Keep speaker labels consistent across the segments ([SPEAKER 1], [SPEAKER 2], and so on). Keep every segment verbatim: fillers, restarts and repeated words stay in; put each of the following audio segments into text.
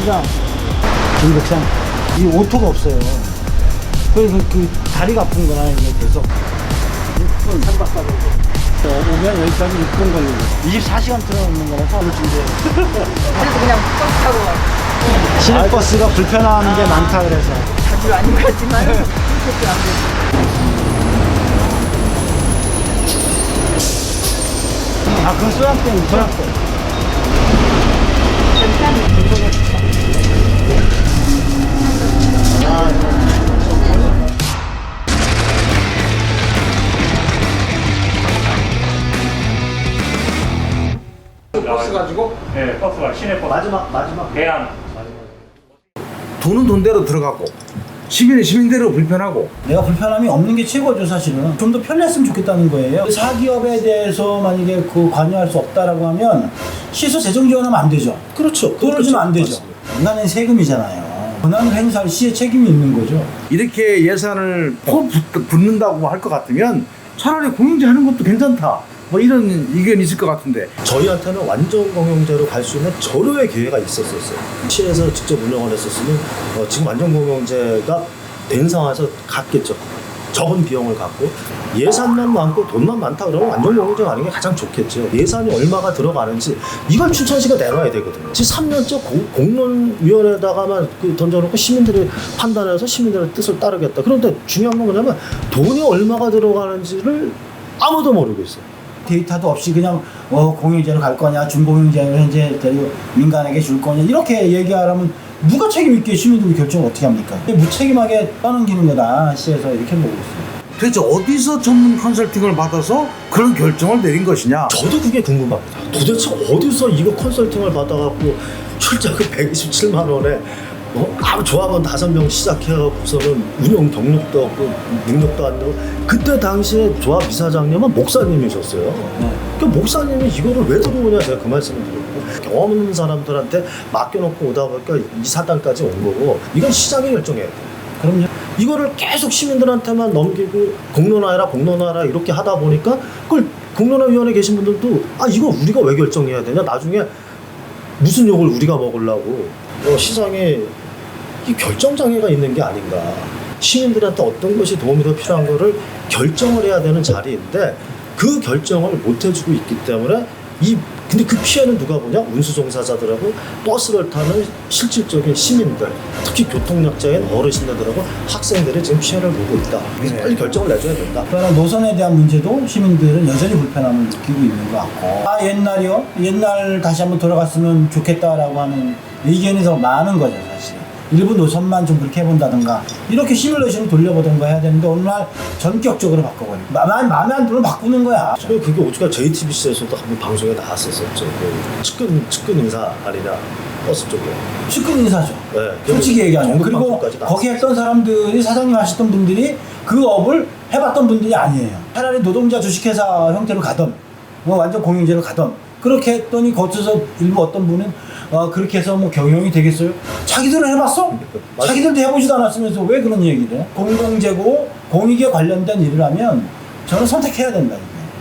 [SPEAKER 1] 시장, 중백산 이 오토가 없어요. 그래서 그 다리가 아픈 거나 이게 계속 육 분 삼 박 사 일 오면 여기까지 육 분 걸리고 이십사 시간 틀어놓는 거라서 하루 준대.
[SPEAKER 2] 그래서 그냥 버스 타고 와.
[SPEAKER 1] 시내버스가 불편한 게 많다 그래서.
[SPEAKER 2] 자주 안 가지만 그렇게 안 돼.
[SPEAKER 1] 아, 그건 소양댐, 소양댐.
[SPEAKER 3] 버스 가지고?
[SPEAKER 4] 네, 버스가 시내버스.
[SPEAKER 1] 마지막, 마지막.
[SPEAKER 4] 대안.
[SPEAKER 3] 돈은 돈대로 들어가고 시민은 시민대로 불편하고.
[SPEAKER 1] 내가 불편함이 없는 게 최고죠, 사실은. 좀 더 편리했으면 좋겠다는 거예요. 사기업에 대해서 만약에 그 관여할 수 없다라고 하면 시에서 재정 지원하면 안 되죠.
[SPEAKER 3] 그렇죠.
[SPEAKER 1] 돈을 주면 안 되죠. 인간은 세금이잖아요. 권한을 행사할 시의 책임이 있는 거죠.
[SPEAKER 3] 이렇게 예산을 포 붙- 붙는다고 할 것 같으면 차라리 공영제 하는 것도 괜찮다, 뭐 이런 의견이 있을 것 같은데.
[SPEAKER 5] 저희한테는 완전 공영제로 갈 수 있는 절호의 기회가 있었었어요. 시에서 직접 운영을 했었으면 어, 지금 완전 공영제가 된 상황에서 갔겠죠. 적은 비용을 갖고 예산만 많고 돈만 많다 그러면 완전 공영제가 하는 게 가장 좋겠죠. 예산이 얼마가 들어가는지 이걸 춘천시가 내놔야 되거든요. 지금 삼 년째 공, 공론위원회에다가만 그 던져놓고 시민들이 판단해서 시민들의 뜻을 따르겠다. 그런데 중요한 건 뭐냐면 돈이 얼마가 들어가는지를 아무도 모르고 있어요.
[SPEAKER 1] 데이터도 없이 그냥 어, 공영제로 갈 거냐, 준공영제로 현재 데리고 민간에게 줄 거냐 이렇게 얘기하라면 누가 책임 있게 시민들이 결정을 어떻게 합니까? 무책임하게 떠넘기는 거다, 시에서 이렇게 보고 있어요.
[SPEAKER 3] 도대체 어디서 전문 컨설팅을 받아서 그런 결정을 내린 것이냐?
[SPEAKER 5] 저도 그게 궁금합니다. 도대체 어디서 이거 컨설팅을 받아갖고 출자금 백이십칠만 원에 어? 아무 조합원 다섯 명 시작해갖고서는 운영 경력도 없고 능력도 안 되고 그때 당시에 조합 이사장님은 목사님이셨어요.
[SPEAKER 1] 네.
[SPEAKER 5] 그 목사님이 이거를 왜 들어오냐 제가 그 말씀을 드렸고 경험 없는 사람들한테 맡겨놓고 오다 보니까 이 사단까지 온 거고 이건 시장이 결정해야 돼요.
[SPEAKER 1] 그럼요.
[SPEAKER 5] 이거를 계속 시민들한테만 넘기고 공론화해라 공론화해라 이렇게 하다 보니까 그걸 공론화위원회 계신 분들도 아 이거 우리가 왜 결정해야 되냐 나중에 무슨 욕을 우리가 먹으려고 어, 시장에 이 결정장애가 있는 게 아닌가. 시민들한테 어떤 것이 도움이 더 필요한 거를 결정을 해야 되는 자리인데 그 결정을 못 해주고 있기 때문에 이 근데 그 피해는 누가 보냐? 운수종사자들하고 버스를 타는 실질적인 시민들, 특히 교통약자인 어르신들하고 학생들이 지금 피해를 보고 있다. 그래서
[SPEAKER 3] 네.
[SPEAKER 5] 빨리 결정을 내줘야 된다.
[SPEAKER 1] 그러나 노선에 대한 문제도 시민들은 여전히 불편함을 느끼고 있는 것 같고, 아 옛날이요? 옛날 다시 한번 돌아갔으면 좋겠다라고 하는 의견이 더 많은 거죠, 사실. 일부 노선만 좀 그렇게 해본다든가 이렇게 시뮬레이션을 돌려보던가 해야 되는데 어느 날 전격적으로 바꿔버리고 마음에, 마음에 안 들면 바꾸는 거야.
[SPEAKER 5] 그리고 그게 오죽하 제이티비씨에서도 한번 방송에 나왔었었죠. 그 측근 측근 인사 아니냐 버스 쪽에.
[SPEAKER 1] 측근 인사죠.
[SPEAKER 5] 네.
[SPEAKER 1] 솔직히 얘기하면.
[SPEAKER 5] 전국
[SPEAKER 1] 그리고
[SPEAKER 5] 방송까지 나왔어요.
[SPEAKER 1] 거기 했던 사람들이 사장님 하셨던 분들이 그 업을 해봤던 분들이 아니에요. 차라리 노동자 주식회사 형태로 가던 뭐 완전 공영제로 가던 그렇게 했더니 거쳐서 일부 어떤 분은 어, 그렇게 해서 뭐 경영이 되겠어요? 자기들은 해봤어? 자기들도 해보지도 않았으면서 왜 그런 얘기를 해? 공공재고 공익에 관련된 일을 하면 저는 선택해야 된다.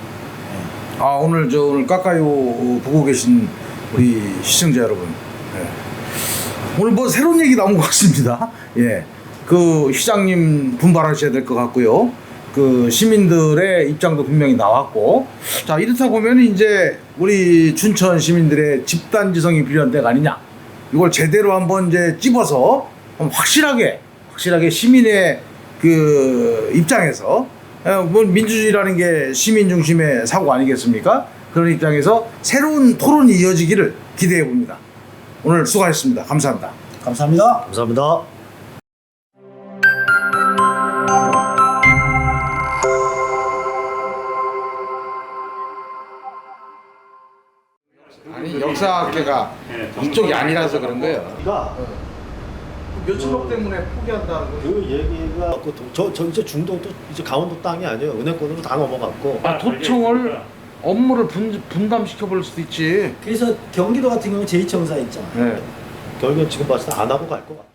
[SPEAKER 1] 이게.
[SPEAKER 3] 아 오늘 저 오늘 까까요 보고 계신 우리 시청자 여러분, 예. 오늘 뭐 새로운 얘기 나온 것 같습니다. 예, 그 시장님 분발하셔야 될 것 같고요. 그 시민들의 입장도 분명히 나왔고, 자 이렇다 보면 이제 우리 춘천 시민들의 집단지성이 필요한 때가 아니냐. 이걸 제대로 한번 이제 찝어서 확실하게 확실하게 시민의 그 입장에서, 뭐 민주주의라는 게 시민 중심의 사고 아니겠습니까? 그런 입장에서 새로운 토론이 이어지기를 기대해 봅니다. 오늘 수고하셨습니다. 감사합니다.
[SPEAKER 1] 감사합니다.
[SPEAKER 5] 감사합니다.
[SPEAKER 3] 아니 역사학계가 이쪽이 아니라서 그런 거예요.
[SPEAKER 5] 그러니까
[SPEAKER 3] 몇천억 때문에 포기한다는 거.
[SPEAKER 5] 그 얘기가 그 도- 저, 저 이제 중동도 이제 강원도 땅이 아니에요. 은행권으로 다 넘어갔고.
[SPEAKER 3] 아, 도청을 업무를 분, 분담시켜 볼 수도 있지.
[SPEAKER 1] 그래서 경기도 같은 경우는 제이청사 있잖아.
[SPEAKER 3] 네.
[SPEAKER 5] 결국엔 지금 봤을 때 안 하고 갈 것 같아.